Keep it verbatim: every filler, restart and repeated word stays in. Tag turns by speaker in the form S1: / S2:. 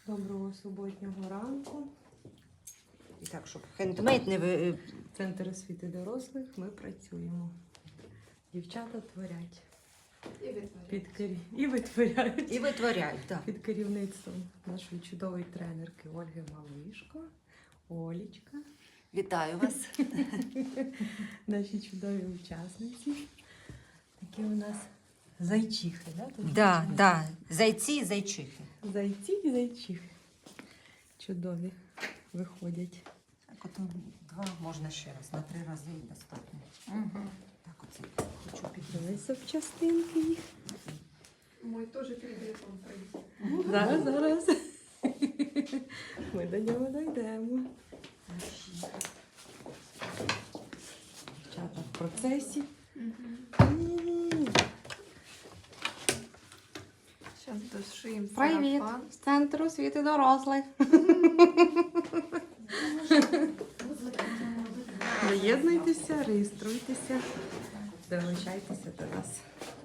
S1: Доброго суботнього ранку.
S2: І так, щоб хендмейд не ви...
S1: Центр освіти дорослих. Ми працюємо. Дівчата творять.
S3: І витворяють.
S1: Під кер... І витворяють.
S2: І витворяють, так.
S1: Під керівництвом нашої чудової тренерки Ольги Малишко. Олічка.
S2: Вітаю вас.
S1: Наші чудові учасниці. Такі у нас зайчихи, да? Тут
S2: Да, да. Зайці і зайчихи.
S1: Зайці і зайчихи. Чудові виходять.
S2: Так, от два можна ще раз, на три рази і достатньо. Угу. Так, оце хочу підняти.
S1: Ось запчастинки їх.
S3: Мой теж телефон прийде.
S1: Зараз, зараз. Ми до нього дійдемо. Дівчата в процесі. М.
S3: Зараз дошиємо
S1: Привіт!
S3: сарафан.
S1: З центру освіти дорослих. Доєднуйтеся, реєструйтеся, долучайтеся до нас.